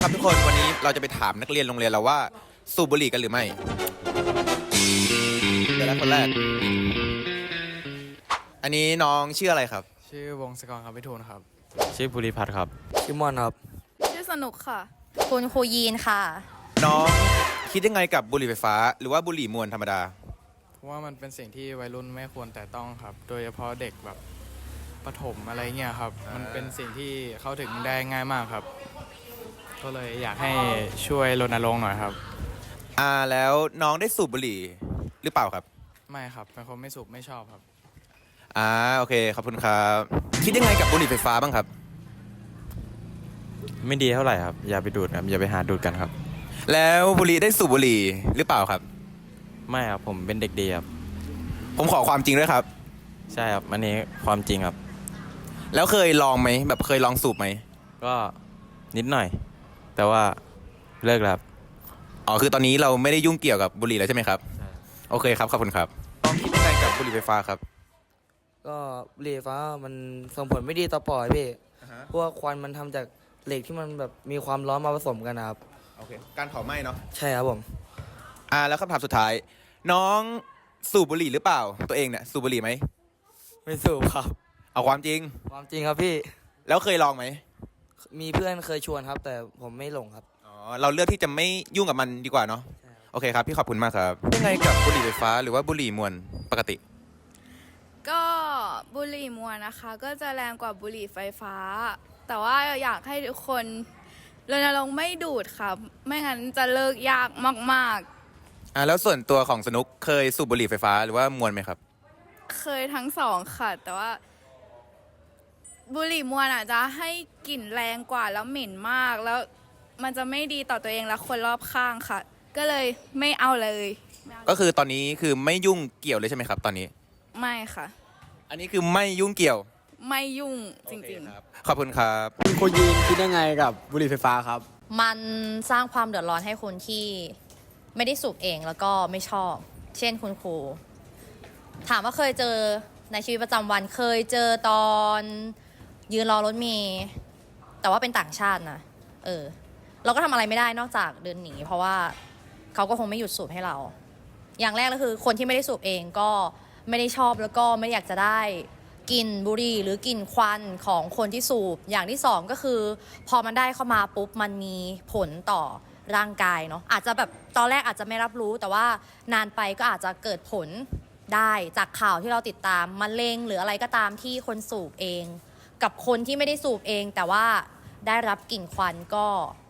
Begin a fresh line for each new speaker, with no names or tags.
ครับทุกคนวันนี้เราจะไปถามนักเรียนโรงเรียนเราว่าสูบบุหรี่กันหรือไม่เดี๋ยวนะคนแรกอันนี้น้องชื่ออะไรครับ
ชื่อวงศกรครับพิทูลครับ
ชื่อภูริพัฒน์ครับ
ชื่อมอนครับ
ชื่อสนุกค่ะ
คุณครูยีนค่ะ
น้องคิดยังไงกับบุหรี่ไฟฟ้าหรือว่าบุหรี่มวลธรรมดา
เพราะว่ามันเป็นสิ่งที่วัยรุ่นไม่ควรแต่ต้องครับโดยเฉพาะเด็กแบบประถมอะไรเงี้ยครับมันเป็นสิ่งที่เข้าถึงได้ง่ายมากครับก็เลยอยากให้ช่วยรณรงค์หน่อยครับ
แล้วน้องได้สูบบุหรี่หรือเปล่าครับ
ไม่ครับเป็นคนไม่สูบไม่ชอบครับ
โอเคขอบคุณครับคิดยังไงกับบุหรี่ไฟฟ้าบ้างครับ
ไม่ดีเท่าไหร่ครับอย่าไปดูดครับอย่าไปหาดูดกันครับ
แล้วบุหรี่ได้สูบบุหรี่หรือเปล่าครับ
ไม่ครับผมเป็นเด็กดีครับ
ผมขอความจริงด้วยครับ
ใช่ครับอันนี้ความจริงครับ
แล้วเคยลองไหมแบบเคยลองสูบไหม
ก็นิดหน่อยแต่ว่าเลิกแล้ว
คือตอนนี้เราไม่ได้ยุ่งเกี่ยวกับบุหรี่แล้วใช่ไหมครับ
ใช่
โอเคครับขอบคุณครับน้องคิดยังไงกับบุหรี่ไฟฟ้าครับ
ก็บุหรี่ไฟฟ้ามันส่งผลไม่ดีต่อปอดพี่เพราะว่าควันมันทำจากเหล็กที่มันแบบมีความร้อนมาผสมกันนะครับ
โอเคการเผาไหม้เนาะ
ใช่ครับผม
แล้วคำถามสุดท้ายน้องสูบบุหรี่หรือเปล่าตัวเองเนี่ยสูบบุหรี่ไหม
ไม่สูบครับ
เอาความจริง
ความจริงครับพี่
แล้วเคยลองไหม
มีเพื่อนเคยชวนครับแต่ผมไม่หลงครับ
เราเลือกที่จะไม่ยุ่งกับมันดีกว่าเนาะโอเคครับพี่ขอบคุณมากครับยังไงกับบุหรี่ไฟฟ้าหรือว่าบุหรี่มวลปกติ
ก็บุหรี่มวลนะคะก็จะแรงกว่าบุหรี่ไฟฟ้าแต่ว่าอยากให้ทุกคนรณรงค์ไม่ดูดค่ะไม่งั้นจะเลิกยากมาก
แล้วส่วนตัวของสนุกเคยสูบบุหรี่ไฟฟ้าหรือว่ามวลไหมครับ
เคยทั้งสองค่ะแต่ว่าบุหรี่มวลอาจจะให้กลิ่นแรงกว่าแล้วเหม็นมากแล้วมันจะไม่ดีต่อตัวเองและคนรอบข้างค่ะก็เลยไม่เอาเลย
ก็คือตอนนี้คือไม่ยุ่งเกี่ยวเลยใช่ไหมครับตอนนี้
ไม่ค่ะ
อันนี้คือไม่ยุ่งเกี่ยว
ไม่ยุ่งจริง
ๆขอบคุณครับ
คุณครูยีนคิดยังไงกับบุหรี่ไฟฟ้าครับ
มันสร้างความเดือดร้อนให้คนที่ไม่ได้สูบเองแล้วก็ไม่ชอบเช่นคุณครูถามว่าเคยเจอในชีวิตประจำวันเคยเจอตอนยืนรอรถเมล์แต่ว่าเป็นต่างชาตินะเราก็ทำอะไรไม่ได้นอกจากเดินหนีเพราะว่าเขาก็คงไม่หยุดสูบให้เราอย่างแรกก็คือคนที่ไม่ได้สูบเองก็ไม่ได้ชอบแล้วก็ไม่อยากจะได้กลิ่นบุหรี่หรือกลิ่นควันของคนที่สูบอย่างที่สองก็คือพอมันได้เข้ามาปุ๊บมันมีผลต่อร่างกายเนาะอาจจะแบบตอนแรกอาจจะไม่รับรู้แต่ว่านานไปก็อาจจะเกิดผลได้จากข่าวที่เราติดตามมะเร็งหรืออะไรก็ตามที่คนสูบเองกับคนที่ไม่ได้สูบเองแต่ว่าได้รับกลิ่นควันก็